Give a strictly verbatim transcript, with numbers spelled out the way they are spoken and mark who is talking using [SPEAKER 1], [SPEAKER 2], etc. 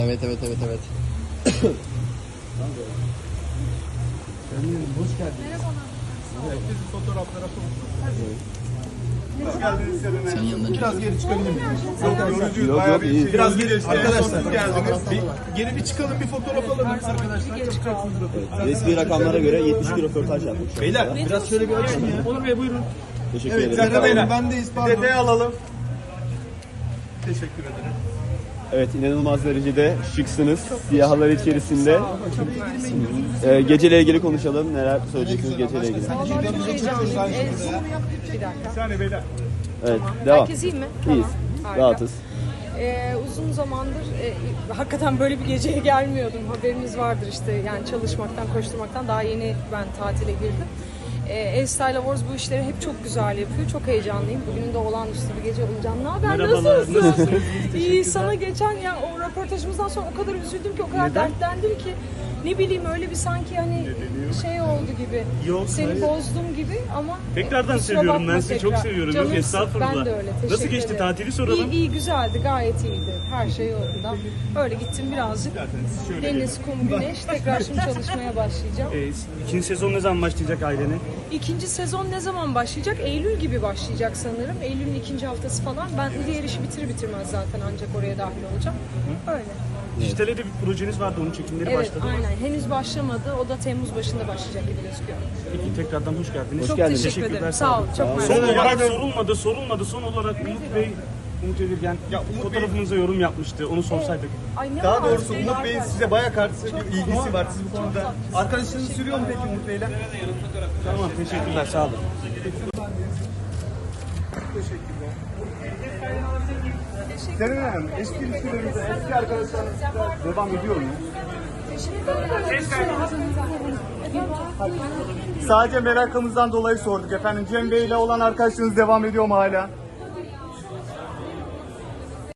[SPEAKER 1] Evet evet evet evet.
[SPEAKER 2] Hoş geldiniz.
[SPEAKER 3] Merhabalar.
[SPEAKER 2] Herkesi fotoğraflara konuşalım.
[SPEAKER 3] Hoş geldiniz Serenay.
[SPEAKER 1] Senin yanına
[SPEAKER 2] Biraz geri çıkabilir miyiz?
[SPEAKER 3] Yok yorucuyuz.
[SPEAKER 1] Yok,
[SPEAKER 3] Bayağı
[SPEAKER 1] yok,
[SPEAKER 3] bir
[SPEAKER 1] iyi.
[SPEAKER 3] şey.
[SPEAKER 2] Biraz geri
[SPEAKER 3] Arkadaşlar.
[SPEAKER 2] Siz geldiniz. Bir, geri bir çıkalım, bir fotoğraf alalım arkadaşlar. Çıkacaksınız röportaj.
[SPEAKER 4] Resmi rakamlara göre yetmiş bir röportaj yaptık.
[SPEAKER 2] Beyler biraz şöyle bir açın ya. Onur Bey buyurun.
[SPEAKER 4] Teşekkür
[SPEAKER 2] Evet,
[SPEAKER 4] ederim.
[SPEAKER 2] Serkan Beyler.
[SPEAKER 3] Bendeyiz
[SPEAKER 2] Bir detay alalım. Teşekkür ederim.
[SPEAKER 4] Evet, inanılmaz derecede şıksınız. Siyahlar içerisinde. Ee, geceyle ilgili konuşalım. Neler söyleyeceksiniz geceyle ilgili?
[SPEAKER 5] Vallahi çok heyecanlıyım. Ee, bir dakika.
[SPEAKER 2] Bir saniye beyler.
[SPEAKER 4] Evet, devam.
[SPEAKER 5] Herkes iyi mi?
[SPEAKER 4] İyiyiz.
[SPEAKER 5] Harika.
[SPEAKER 4] Rahatız.
[SPEAKER 5] Ee, uzun zamandır e, hakikaten böyle bir geceye gelmiyordum. Haberiniz vardır işte, yani çalışmaktan, koşturmaktan daha yeni ben tatile girdim. Ee, Estyle Awards bu işleri hep çok güzel yapıyor. Çok heyecanlıyım. Bugün de olağanüstü bir gece olacağım. Ne haber? Nasılsın? İyi. Sana geçen ya o röportajımızdan sonra o kadar üzüldüm ki, o kadar dertlendim ki. Ne bileyim, öyle bir sanki hani şey oldu gibi.
[SPEAKER 6] Yok,
[SPEAKER 5] Seni
[SPEAKER 6] hayır.
[SPEAKER 5] bozdum gibi ama
[SPEAKER 6] Tekrardan
[SPEAKER 5] kusura
[SPEAKER 6] seviyorum,
[SPEAKER 5] bakma
[SPEAKER 6] ben sizi çok
[SPEAKER 5] tekrar.
[SPEAKER 6] seviyorum. Yok,
[SPEAKER 5] Canımsın.
[SPEAKER 6] estağfurullah.
[SPEAKER 5] Ben de öyle. Teşekkür
[SPEAKER 6] Nasıl geçti,
[SPEAKER 5] ederim.
[SPEAKER 6] tatili soralım.
[SPEAKER 5] İyi, iyi güzeldi, gayet iyiydi. Her şey yolunda. Öyle gittim birazcık. Deniz, kum, güneş. Tekrar şimdi çalışmaya başlayacağım.
[SPEAKER 6] Ee, ikinci sezon ne zaman başlayacak ailene?
[SPEAKER 5] İkinci sezon ne zaman başlayacak? Eylül gibi başlayacak sanırım. Eylül'ün ikinci haftası falan. Ben diğer işi bitir bitirmez zaten ancak oraya dahil olacağım. Öyle.
[SPEAKER 6] Dijital'e de bir projeniz vardı, onun çekimleri
[SPEAKER 5] Evet,
[SPEAKER 6] başladı.
[SPEAKER 5] aynen. Henüz başlamadı. O da Temmuz başında başlayacak gibi gözüküyor.
[SPEAKER 6] Peki, tekrardan hoş geldiniz.
[SPEAKER 5] Çok
[SPEAKER 4] geldiniz.
[SPEAKER 5] teşekkür ederim.
[SPEAKER 6] Teşekkürler,
[SPEAKER 5] Sağ ol. Çok
[SPEAKER 6] Son
[SPEAKER 5] mersi.
[SPEAKER 6] olarak sorulmadı, sorulmadı. Son olarak Umut Bey, Umut Evirgen fotoğrafınıza yorum yapmıştı. Onu sorsaydık.
[SPEAKER 5] Ay, ne
[SPEAKER 3] Daha
[SPEAKER 5] var?
[SPEAKER 3] doğrusu Umut Bey'in size bayağı karşı bir ilgisi var. Siz bu konuda
[SPEAKER 2] Arkadaşınız sürüyor mu peki Umut Bey'le?
[SPEAKER 6] Tamam, teşekkürler, sağ olun.
[SPEAKER 3] Serenay Hanım, eski ilişkilerimizde eski arkadaşlarınızla devam ediyor mu? Sadece merakımızdan dolayı sorduk efendim. Cem Bey ile olan arkadaşlığınız devam ediyor mu hala?